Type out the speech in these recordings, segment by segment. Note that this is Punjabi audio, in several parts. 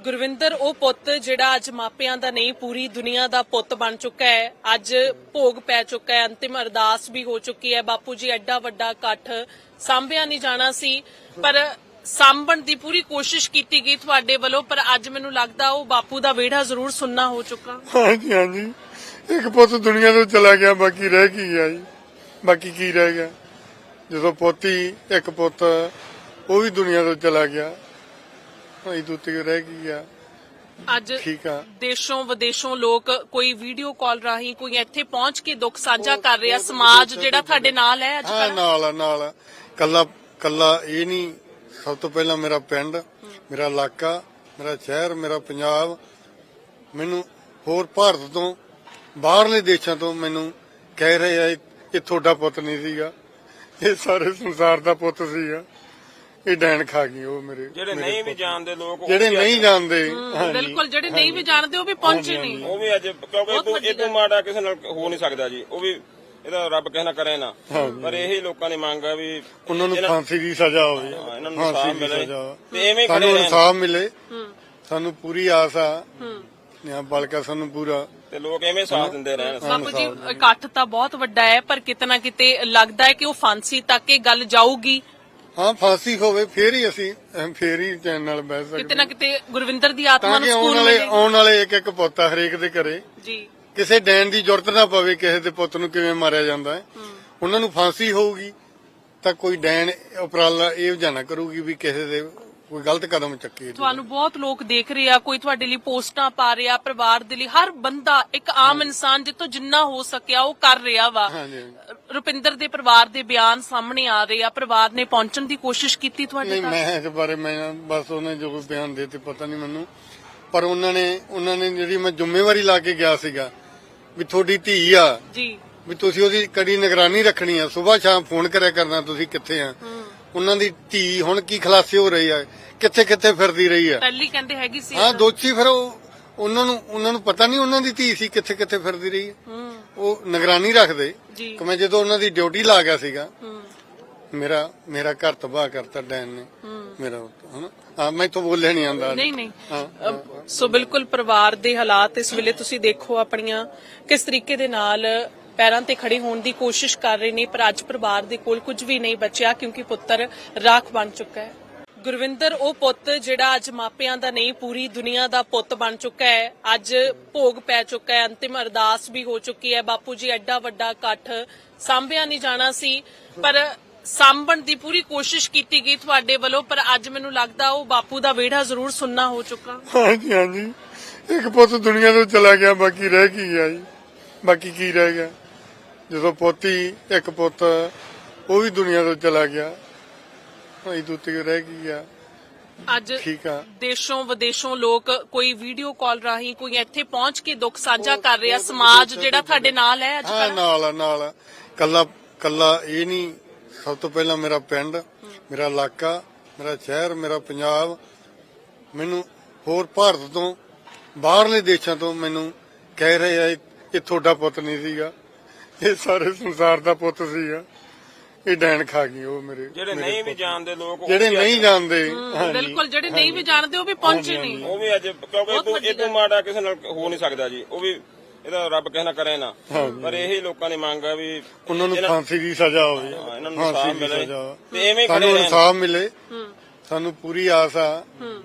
ਗੁਰਵਿੰਦਰ ਉਹ ਪੁੱਤ ਜਿਹੜਾ ਅੱਜ ਮਾਪਿਆਂ ਦਾ ਨਹੀਂ ਪੂਰੀ ਦੁਨੀਆ ਦਾ ਪੁੱਤ ਬਣ ਚੁੱਕਾ ਹੈ। ਅੱਜ ਭੋਗ ਪੈ ਚੁੱਕਾ ਹੈ, ਅੰਤਿਮ ਅਰਦਾਸ ਵੀ ਹੋ ਚੁੱਕੀ ਹੈ। ਬਾਪੂ ਜੀ ਐਡਾ ਵੱਡਾ ਇਕੱਠ ਸਾਂਭਿਆ ਨਹੀਂ ਜਾਣਾ ਸੀ, ਪਰ ਸਾਂਭਣ ਦੀ ਪੂਰੀ ਕੋਸ਼ਿਸ਼ ਕੀਤੀ ਗਈ ਤੁਹਾਡੇ ਵੱਲੋਂ। ਪਰ ਅੱਜ ਮੈਨੂੰ ਲੱਗਦਾ ਉਹ ਬਾਪੂ ਦਾ ਵਿਹੜਾ ਜ਼ਰੂਰ ਸੁੰਨਾ ਹੋ ਚੁੱਕਾ। ਹਾਂਜੀ ਹਾਂਜੀ, ਇੱਕ ਪੁੱਤ ਦੁਨੀਆ ਤੋਂ ਚਲਾ ਗਿਆ, ਬਾਕੀ ਰਹਿ ਕੀ ਗਿਆ ਜੀ? ਬਾਕੀ ਕੀ ਰਹਿ ਗਿਆ? ਜਦੋਂ ਪੋਤੀ ਇੱਕ ਪੁੱਤ ਉਹ ਵੀ ਦੁਨੀਆ ਤੋਂ ਚਲਾ ਗਿਆ, ਭਾਈ ਦੂਤੀ ਰਹਿ ਕੀ ਗਿਆ? ਅੱਜ ਠੀਕ ਆ, ਦੇਸ਼ੋਂ ਵਿਦੇਸ਼ੋਂ ਲੋਕ ਕੋਈ ਵੀਡੀਓ ਕਾਲ ਰਾਹੀਂ ਕੋਈ ਇੱਥੇ ਪਹੁੰਚ ਕੇ ਦੁੱਖ ਸਾਂਝਾ ਕਰ ਰਿਹਾ। ਸਮਾਜ ਜਿਹੜਾ ਤੁਹਾਡੇ ਨਾਲ ਹੈ ਅੱਜ ਹਾਂ, ਨਾਲ ਕੱਲਾ ਇਹ ਨਹੀਂ। ਸਭ ਤੋਂ ਪਹਿਲਾਂ ਮੇਰਾ ਪਿੰਡ, ਮੇਰਾ ਇਲਾਕਾ, ਮੇਰਾ ਸ਼ਹਿਰ, ਮੇਰਾ ਪੰਜਾਬ, ਮੈਨੂੰ ਹੋਰ ਭਾਰਤ ਤੋਂ ਬਾਹਰਲੇ ਦੇਸ਼ਾਂ ਤੋਂ ਮੈਨੂੰ ਕਹਿ ਰਹੇ ਆ ਇਹ ਤੁਹਾਡਾ ਪੁੱਤ ਨਹੀਂ ਸੀਗਾ, ਇਹ ਸਾਰੇ ਸੰਸਾਰ ਦਾ ਪੁੱਤ ਸੀਗਾ। ਇਹ ਡੈਣ ਖਾ ਗਈ ਉਹ ਮੇਰੇ ਜਿਹੜੇ ਨਹੀਂ ਵੀ ਜਾਣਦੇ ਲੋਕ, ਜਿਹੜੇ ਨਹੀਂ ਜਾਣਦੇ। ਬਿਲਕੁਲ, ਜਿਹੜੇ ਨਹੀਂ ਵੀ ਜਾਣਦੇ ਉਹ ਵੀ ਪਹੁੰਚੇ ਨਹੀਂ। ਉਹ ਵੀ ਅੱਜ ਕਿਉਂਕਿ ਇਹ ਤੋਂ ਮਾੜਾ ਕਿਸੇ ਨਾਲ ਹੋ ਨਹੀਂ ਸਕਦਾ ਜੀ। ਉਹ ਵੀ ਇਹਦਾ ਰੱਬ ਕਿਸੇ ਨਾਲ ਕਰੇ ਨਾ, ਪਰ ਇਹੀ ਲੋਕਾਂ ਦੀ ਮੰਗ ਆ ਵੀ ਉਹਨਾਂ ਨੂੰ ਫਾਂਸੀ ਦੀ ਸਜ਼ਾ ਹੋਵੇ, ਇਹਨਾਂ ਨੂੰ ਇਨਸਾਫ ਮਿਲੇ ਤੇ ਐਵੇਂ ਸਾਨੂੰ ਖੜੇ ਇਨਸਾਫ ਮਿਲੇ। ਸਾਨੂੰ ਪੂਰੀ ਆਸ ਆ, ਬਲਕਿ ਸਾਨੂੰ ਪੂਰਾ ਤੇ ਲੋਕ ਐਵੇਂ ਸਾਥ ਦਿੰਦੇ ਰਹਿਣ। ਬਾਪੂ ਜੀ ਇਕੱਠ ਤਾਂ ਬਹੁਤ ਵੱਡਾ ਹੈ, ਪਰ ਕਿਤੇ ਨਾ ਕਿਤੇ ਲੱਗਦਾ ਹੈ ਕਿ ਉਹ ਫਾਂਸੀ ਤੱਕ ਇਹ ਗੱਲ ਜਾਊਗੀ। ਹਾਂ, ਫਾਂਸੀ ਹੋਵੇ ਫੇਰ ਹੀ ਅਸੀਂ ਫੇਰ ਹੀ ਚੈਨ ਨਾਲ ਬਹਿ ਸਕਦੇ। ਕਿਤੇ ਨਾ ਕਿਤੇ ਗੁਰਵਿੰਦਰ ਦੀ ਆਤਮਾ ਤਾਂ ਨੂੰ ਕਿ ਸਕੂਨ ਮਿਲੇ। ਆਉਣ ਵਾਲੇ ਇੱਕ ਪੁੱਤ ਆ ਹਰੇਕ ਦੇ ਘਰੇ, ਜੀ ਕਿਸੇ ਡੈਣ ਦੀ ਜ਼ਰੂਰਤ ਨਾ ਪਵੇ ਕਿਸੇ ਦੇ ਪੁੱਤ ਨੂੰ ਕਿਵੇਂ ਮਾਰਿਆ ਜਾਂਦਾ ਹੈ। ਉਹਨਾਂ ਨੂੰ ਫਾਂਸੀ ਹੋਊਗੀ ਤਾਂ ਕੋਈ ਡੈਣ ਉਪਰਾਲਾ ਇਹ ਜਾਣਾ ਕਰੂਗੀ ਵੀ ਕਿਸੇ ਦੇ ਕੋਈ ਗਲਤ ਕਦਮ ਚੱਕੇ। ਤੁਹਾਨੂੰ ਬਹੁਤ ਲੋਕ ਦੇਖ ਰਹੇ ਆ, ਕੋਈ ਤੁਹਾਡੇ ਲਈ ਪੋਸਟਾਂ ਪਾ ਰਿਹਾ, ਪਰਿਵਾਰ ਦੇ ਲਈ ਹਰ ਬੰਦਾ ਇੱਕ ਆਮ ਇਨਸਾਨ ਜਿੱਥੋਂ ਜਿੰਨਾ ਹੋ ਸਕਿਆ ਉਹ ਕਰ ਰਿਹਾ ਵਾ। ਰੁਪਿੰਦਰ ਦੇ ਪਰਿਵਾਰ ਦੇ ਬਿਆਨ ਸਾਹਮਣੇ ਆ ਰਹੇ ਆ, ਪਰਿਵਾਰ ਨੇ ਪਹੁੰਚਣ ਦੀ ਕੋਸ਼ਿਸ਼ ਕੀਤੀ ਤੁਹਾਡੇ ਨਹੀਂ, ਤੱਕ? ਮੈਂ ਇਸ ਬਾਰੇ ਬਸ ਉਹਨੇ ਜੋ ਬਿਆਨ ਦੇ ਤੇ ਪਤਾ ਨਹੀਂ ਮੈਨੂੰ, ਪਰ ਉਹਨਾਂ ਨੇ ਜਿਹੜੀ ਮੈਂ ਜ਼ਿੰਮੇਵਾਰੀ ਲਾ ਕੇ ਗਿਆ ਸੀਗਾ ਵੀ ਤੁਹਾਡੀ ਧੀ ਆ ਜੀ, ਵੀ ਤੁਸੀਂ ਉਹਦੀ ਕੜੀ ਨਿਗਰਾਨੀ ਰੱਖਣੀ ਆ, ਸਵੇਰ ਸ਼ਾਮ ਫੋਨ ਕਰਿਆ ਕਰਨਾ ਤੁਸੀਂ ਕਿੱਥੇ ਆ। ਉਹਨਾਂ ਦੀ ਧੀ ਹੁਣ ਕੀ ਖਲਾਸੇ ਹੋ ਰਹੀ ਆ, ਕਿੱਥੇ ਕਿੱਥੇ ਫਿਰਦੀ ਰਹੀ ਆ। ਪਹਿਲੀ ਕਹਿੰਦੇ ਹੈਗੀ ਸੀ। ਹਾਂ, ਦੋਸ਼ੀ ਫਿਰ ਉਹਨਾਂ ਨੂੰ ਪਤਾ ਨਹੀਂ ਉਹਨਾਂ ਦੀ ਧੀ ਸੀ ਕਿੱਥੇ ਕਿੱਥੇ ਫਿਰਦੀ ਰਹੀ ਆ। ਉਹ ਨਿਗਰਾਨੀ ਰੱਖਦੇ ਕਿ ਮੈਂ ਜਦੋਂ ਉਹਨਾਂ ਦੀ ਡਿਊਟੀ ਲਾ ਗਿਆ ਸੀਗਾ, ਮੇਰਾ ਘਰ ਤਬਾਹ ਕਰਤਾ ਡੈਨ ਨੇ ਮੇਰਾ। ਹਾਂ, ਮੈਂ ਤਾਂ ਬੋਲਿਆ ਨਹੀਂ ਆਂਦਾ। ਨਹੀਂ ਸੋ ਬਿਲਕੁਲ ਪਰਿਵਾਰ ਦੇ ਹਾਲਾਤ ਇਸ ਵੇਲੇ ਤੁਸੀਂ ਦੇਖੋ ਆਪਣੀਆਂ ਕਿਸ ਤਰੀਕੇ ਦੇ ਨਾਲ ਪੈਰਾਂ ਤੇ ਖੜੇ ਹੋਣ ਦੀ ਕੋਸ਼ਿਸ਼ ਕਰ ਰਹੇ ਨੇ, ਪਰ ਅੱਜ ਪਰਿਵਾਰ ਦੇ ਕੋਲ ਕੁਝ ਵੀ ਨਹੀਂ ਬਚਿਆ ਕਿਉਂਕਿ ਪੁੱਤਰ ਰਾਖ ਬਣ ਚੁੱਕਾ ਹੈ। ਗੁਰਵਿੰਦਰ ਉਹ ਪੁੱਤ ਜਿਹੜਾ ਅੱਜ ਮਾਪਿਆਂ ਦਾ ਨਹੀਂ ਪੂਰੀ ਦੁਨੀਆ ਦਾ ਪੁੱਤ ਬਣ ਚੁੱਕਾ ਹੈ। ਅੱਜ ਭੋਗ ਪੈ ਚੁੱਕਾ ਹੈ, ਅੰਤਿਮ ਅਰਦਾਸ ਵੀ ਹੋ ਚੁੱਕੀ ਹੈ। ਬਾਪੂ ਜੀ ਐਡਾ ਵੱਡਾ ਇਕੱਠ ਸਾਂਭਿਆ ਨਹੀਂ ਜਾਣਾ ਸੀ, ਪਰ ਸਾਂਭਣ ਦੀ ਪੂਰੀ ਕੋਸ਼ਿਸ਼ ਕੀਤੀ ਗਈ ਤੁਹਾਡੇ ਵੱਲੋਂ। ਪਰ ਅੱਜ ਮੈਨੂੰ ਲੱਗਦਾ ਉਹ ਬਾਪੂ ਦਾ ਵਿਹੜਾ ਜ਼ਰੂਰ ਸੁੰਨਾ ਹੋ ਚੁੱਕਾ। ਹਾਂਜੀ ਹਾਂਜੀ, ਇੱਕ ਪੁੱਤ ਦੁਨੀਆ ਤੋਂ ਚਲਾ ਗਿਆ, ਬਾਕੀ ਰਹਿ ਕੀ ਗਿਆ ਜੀ? ਬਾਕੀ ਕੀ ਰਹਿ ਗਿਆ? ਜਦੋਂ ਪੋਤੀ ਇੱਕ ਪੁੱਤ ਉਹ ਵੀ ਦੁਨੀਆ ਤੋਂ ਚਲਾ ਗਿਆ, ਭਾਈ ਦੂਤੀ ਰਹਿ ਕੀ ਗਿਆ? ਅੱਜ ਠੀਕ ਆ, ਦੇਸ਼ੋਂ ਵਿਦੇਸ਼ੋਂ ਲੋਕ ਕੋਈ ਵੀਡੀਓ ਕਾਲ ਰਾਹੀਂ ਕੋਈ ਇੱਥੇ ਪਹੁੰਚ ਕੇ ਦੁੱਖ ਸਾਂਝਾ ਕਰ ਰਿਹਾ। ਸਮਾਜ ਜਿਹੜਾ ਤੁਹਾਡੇ ਨਾਲ ਹੈ ਅੱਜ ਹਾਂ, ਨਾਲ ਕੱਲਾ ਇਹ ਨਹੀਂ। ਸਭ ਤੋਂ ਪਹਿਲਾਂ ਮੇਰਾ ਪਿੰਡ, ਮੇਰਾ ਇਲਾਕਾ, ਮੇਰਾ ਸ਼ਹਿਰ, ਮੇਰਾ ਪੰਜਾਬ, ਮੈਨੂੰ ਹੋਰ ਭਾਰਤ ਤੋਂ ਬਾਹਰਲੇ ਦੇਸ਼ਾਂ ਤੋਂ ਮੈਨੂੰ ਕਹਿ ਰਹੇ ਆ ਇਹ ਤੁਹਾਡਾ ਪੁੱਤ ਨਹੀਂ ਸੀਗਾ, ਇਹ ਸਾਰੇ ਸੰਸਾਰ ਦਾ ਪੁੱਤ ਸੀਗਾ। ਇਹ ਡੈਣ ਖਾ ਗਈ ਉਹ ਮੇਰੇ ਜਿਹੜੇ ਨਹੀਂ ਵੀ ਜਾਣਦੇ ਲੋਕ, ਜਿਹੜੇ ਨਹੀਂ ਜਾਣਦੇ। ਬਿਲਕੁਲ, ਜਿਹੜੇ ਨਹੀਂ ਵੀ ਜਾਣਦੇ ਉਹ ਵੀ ਪਹੁੰਚੇ ਨਹੀਂ। ਉਹ ਵੀ ਅੱਜ ਕਿਉਂਕਿ ਇਹ ਤੋਂ ਮਾੜਾ ਕਿਸੇ ਨਾਲ ਹੋ ਨਹੀਂ ਸਕਦਾ ਜੀ। ਉਹ ਵੀ ਇਹਦਾ ਰੱਬ ਕਿਸੇ ਨਾਲ ਕਰੇ ਨਾ, ਪਰ ਇਹੀ ਲੋਕਾਂ ਦੀ ਮੰਗ ਆ ਵੀ ਉਹਨਾਂ ਨੂੰ ਫਾਂਸੀ ਦੀ ਸਜ਼ਾ ਹੋਵੇ, ਇਹਨਾਂ ਨੂੰ ਇਨਸਾਫ ਮਿਲੇ ਤੇ ਐਵੇਂ ਸਾਨੂੰ ਖੜੇ ਇਨਸਾਫ ਮਿਲੇ। ਸਾਨੂੰ ਪੂਰੀ ਆਸ ਆ,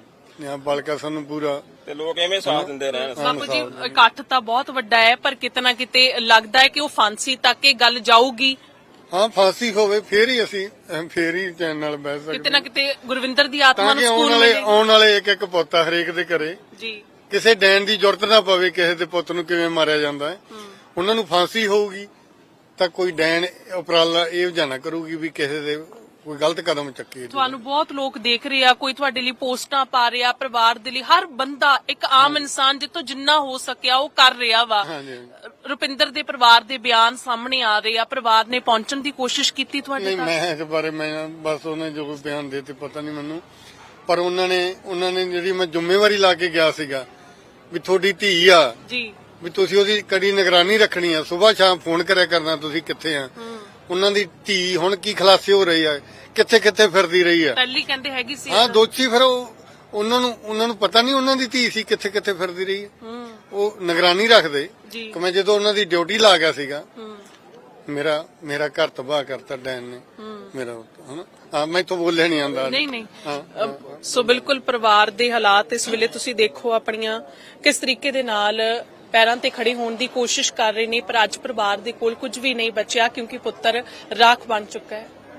ਬਲਕਿ ਸਾਨੂੰ ਪੂਰਾ ਤੇ ਲੋਕ ਐਵੇਂ ਸਾਥ ਦਿੰਦੇ ਰਹਿਣ। ਬਾਪੂ ਜੀ ਇਕੱਠ ਤਾਂ ਬਹੁਤ ਵੱਡਾ ਹੈ, ਪਰ ਕਿਤੇ ਨਾ ਕਿਤੇ ਲੱਗਦਾ ਹੈ ਕਿ ਉਹ ਫਾਂਸੀ ਤੱਕ ਇਹ ਗੱਲ ਜਾਊਗੀ। ਹਾਂ, ਫਾਂਸੀ ਹੋਵੇ ਫੇਰ ਹੀ ਅਸੀਂ ਫੇਰ ਹੀ ਚੈਨ ਨਾਲ ਬਹਿ ਸਕਦੇ। ਕਿਤੇ ਨਾ ਕਿਤੇ ਗੁਰਵਿੰਦਰ ਦੀ ਆਤਮਾ ਨੂੰ ਤਾਂ ਕਿ ਸਕੂਨ ਮਿਲੇ। ਆਉਣ ਵਾਲੇ ਇੱਕ ਪੁੱਤ ਆ ਹਰੇਕ ਦੇ ਘਰੇ, ਜੀ ਕਿਸੇ ਡੈਣ ਦੀ ਜ਼ਰੂਰਤ ਨਾ ਪਵੇ ਕਿਸੇ ਦੇ ਪੁੱਤ ਨੂੰ ਕਿਵੇਂ ਮਾਰਿਆ ਜਾਂਦਾ ਹੈ। ਉਹਨਾਂ ਨੂੰ ਫਾਂਸੀ ਹੋਊਗੀ ਤਾਂ ਕੋਈ ਡੈਣ ਉਪਰਾਲਾ ਇਹ ਜਾਣਾ ਕਰੂਗੀ ਵੀ ਕਿਸੇ ਦੇ ਕੋਈ ਗਲਤ ਕਦਮ ਚੱਕੇ। ਤੁਹਾਨੂੰ ਬਹੁਤ ਲੋਕ ਦੇਖ ਰਹੇ ਆ, ਕੋਈ ਤੁਹਾਡੇ ਲਈ ਪੋਸਟਾਂ ਪਾ ਰਿਹਾ, ਪਰਿਵਾਰ ਦੇ ਲਈ ਹਰ ਬੰਦਾ ਇੱਕ ਆਮ ਇਨਸਾਨ ਜਿੱਥੋਂ ਜਿੰਨਾ ਹੋ ਸਕਿਆ ਉਹ ਕਰ ਰਿਹਾ ਵਾ। ਰੁਪਿੰਦਰ ਦੇ ਪਰਿਵਾਰ ਦੇ ਬਿਆਨ ਸਾਹਮਣੇ ਆ ਰਹੇ ਆ, ਪਰਿਵਾਰ ਨੇ ਪਹੁੰਚਣ ਦੀ ਕੋਸ਼ਿਸ਼ ਕੀਤੀ ਤੁਹਾਡੇ ਨਹੀਂ, ਤੱਕ? ਮੈਂ ਇਸ ਬਾਰੇ ਬਸ ਉਹਨੇ ਜੋ ਬਿਆਨ ਦੇ ਤੇ ਪਤਾ ਨਹੀਂ ਮੈਨੂੰ, ਪਰ ਉਹਨਾਂ ਨੇ ਜਿਹੜੀ ਮੈਂ ਜ਼ਿੰਮੇਵਾਰੀ ਲਾ ਕੇ ਗਿਆ ਸੀਗਾ ਵੀ ਤੁਹਾਡੀ ਧੀ ਆ ਜੀ, ਵੀ ਤੁਸੀਂ ਉਹਦੀ ਕੜੀ ਨਿਗਰਾਨੀ ਰੱਖਣੀ ਆ, ਸਵੇਰ ਸ਼ਾਮ ਫੋਨ ਕਰਿਆ ਕਰਨਾ ਤੁਸੀਂ ਕਿੱਥੇ ਆ। ਉਹਨਾਂ ਦੀ ਧੀ ਹੁਣ ਕੀ ਖਲਾਸੇ ਹੋ ਰਹੀ ਆ, ਕਿੱਥੇ ਕਿੱਥੇ ਫਿਰਦੀ ਰਹੀ ਆ। ਪਹਿਲੀ ਕਹਿੰਦੇ ਹੈਗੀ ਸੀ। ਹਾਂ, ਦੋਸ਼ੀ ਫਿਰ ਉਹਨਾਂ ਨੂੰ ਪਤਾ ਨਹੀਂ ਉਹਨਾਂ ਦੀ ਧੀ ਸੀ ਕਿੱਥੇ ਕਿੱਥੇ ਫਿਰਦੀ ਰਹੀ ਹੈ। ਉਹ ਨਿਗਰਾਨੀ ਰੱਖਦੇ ਜੀ। ਕਿ ਮੈਂ ਜਦੋਂ ਉਹਨਾਂ ਦੀ ਡਿਊਟੀ ਲਾ ਗਿਆ ਸੀਗਾ ਮੇਰਾ ਘਰ ਤਬਾਹ ਕਰਤਾ ਡੈਨ ਨੇ ਮੇਰਾ ਹਨਾ। ਹਾਂ ਮੈਂ ਤਾਂ ਬੋਲਿਆ ਨਹੀਂ ਆਂਦਾ। ਨਹੀਂ ਸੋ ਬਿਲਕੁਲ ਪਰਿਵਾਰ ਦੇ ਹਾਲਾਤ ਇਸ ਵੇਲੇ ਤੁਸੀਂ ਦੇਖੋ ਆਪਣੀਆਂ ਕਿਸ ਤਰੀਕੇ ਦੇ ਨਾਲ ਪੈਰਾਂ ਤੇ ਖੜੇ ਹੋਣ ਦੀ ਕੋਸ਼ਿਸ਼ ਕਰ ਰਹੇ ਨੇ, ਪਰ ਅੱਜ ਪਰਿਵਾਰ ਦੇ ਕੋਲ ਕੁਝ ਵੀ ਨਹੀਂ ਬਚਿਆ ਕਿਉਂਕਿ ਪੁੱਤਰ ਰਾਖ ਬਣ ਚੁੱਕਾ ਹੈ।